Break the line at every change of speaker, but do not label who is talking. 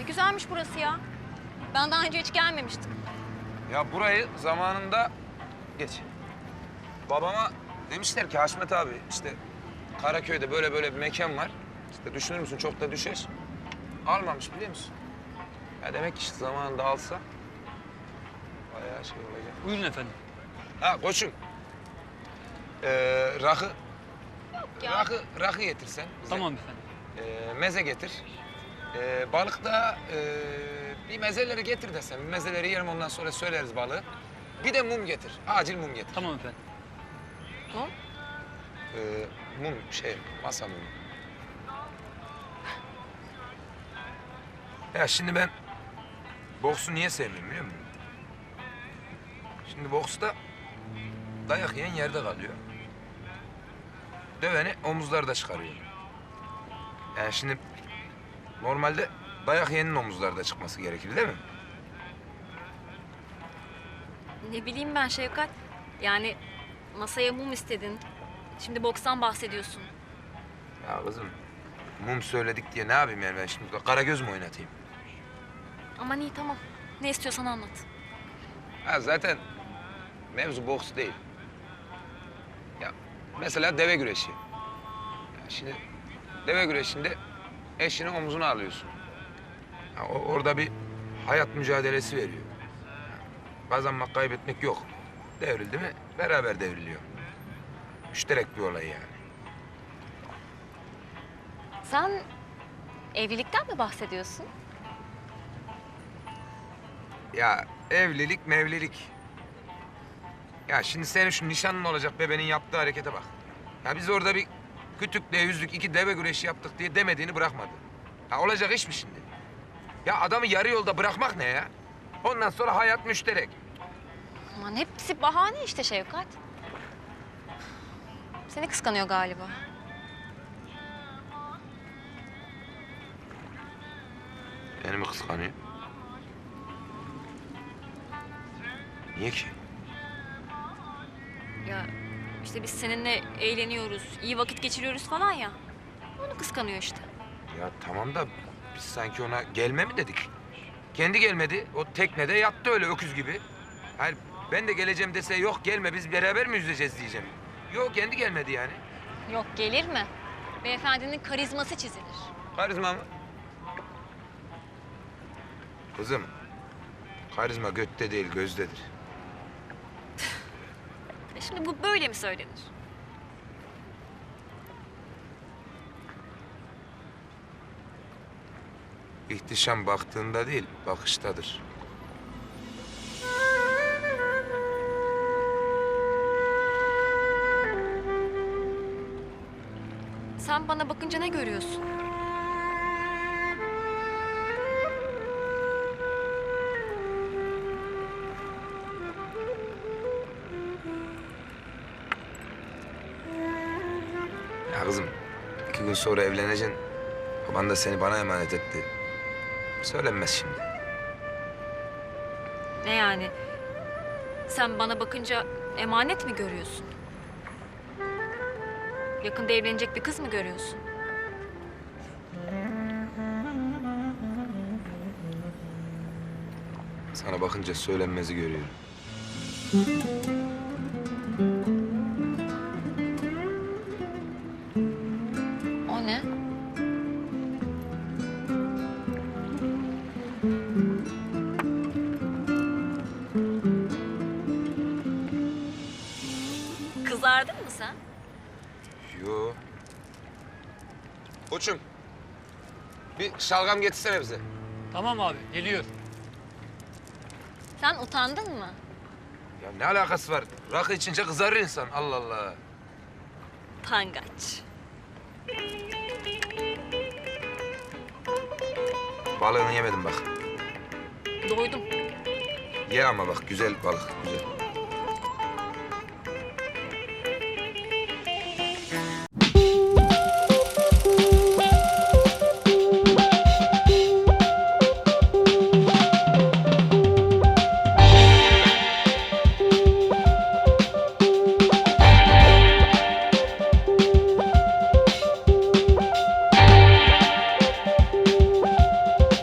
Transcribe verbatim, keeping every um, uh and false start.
güzelmiş burası ya. Ben daha önce hiç gelmemiştim.
Ya burayı zamanında geç. Babama demişler ki Haşmet abi işte Karaköy'de böyle böyle bir mekan var. İşte düşünür müsün çok da düşer. Almamış biliyor musun? Ya demek ki işte zamanında alsa bayağı şey olacak.
Buyurun efendim.
Ha koçum. Ee, rakı,
ya.
rakı, rakı getirsen bize.
Tamam efendim.
Ee, meze getir. Ee, balık da ee, bir mezeleri getir desem. Bir mezeleri yerim ondan sonra söyleriz balığı. Bir de mum getir. Acil mum getir.
Tamam efendim.
Mum?
Ee, mum şey, masa mumu. Ya şimdi ben boksu niye sevmiyorum biliyor musun? Şimdi boksta dayak yiyen yerde kalıyor. Döveni omuzlarda çıkarıyor. Yani şimdi normalde dayak yiyenin omuzlarda çıkması gerekir değil mi?
Ne bileyim ben Şevkat. Yani masaya mum istedin. Şimdi bokstan bahsediyorsun.
Ya kızım mum söyledik diye ne yapayım yani ben şimdi Karagöz mü oynatayım?
Aman iyi tamam. Ne istiyorsan anlat.
Ha zaten mevzu boks değil. Ya mesela deve güreşi. Ya şimdi deve güreşinde eşinin omzuna alıyorsun. Ya o, orada bir hayat mücadelesi veriyor. Ya kazanmak, kaybetmek yok. Devrildi mi beraber devriliyor. Müşterek bir olay yani.
Sen evlilikten mi bahsediyorsun?
Ya evlilik mevlilik. Ya şimdi senin şu nişanlın olacak bebenin yaptığı harekete bak. Ya biz orada bir kütükle yüzlük iki deve güreşi yaptık diye demediğini bırakmadı. Ya olacak iş mi şimdi? Ya adamı yarı yolda bırakmak ne ya? Ondan sonra hayat müşterek.
Aman hepsi bahane işte Şevkat. Seni kıskanıyor galiba.
Beni mi kıskanıyor? Niye ki?
Ya işte biz seninle eğleniyoruz, iyi vakit geçiriyoruz falan ya. Onu kıskanıyor işte.
Ya tamam da biz sanki ona gelme mi dedik? Kendi gelmedi. O teknede yattı öyle öküz gibi. Hayır ben de geleceğim dese yok gelme biz beraber mi yüzeceğiz diyeceğim. Yok kendi gelmedi yani.
Yok gelir mi? Beyefendinin karizması çizilir.
Karizma mı? Kızım, karizma götte değil gözdedir.
E şimdi bu böyle mi söylenir?
İhtişam baktığında değil, bakıştadır.
Sen bana bakınca ne görüyorsun?
Ya kızım, iki gün sonra evleneceksin. Baban da seni bana emanet etti. Söylenmez şimdi.
Ne yani? Sen bana bakınca emanet mi görüyorsun? Yakında evlenecek bir kız mı görüyorsun?
Sana bakınca söylenmezi görüyorum.
O ne? Kızardın mı sen?
Yo. Koçum, bir şalgam getirsene bize.
Tamam abi, geliyor.
Sen utandın mı?
Ya ne alakası var? Rakı içince kızarır insan. Allah Allah.
Pangaç.
Balığını yemedim bak.
Doydum.
Ye ama bak güzel balık, güzel.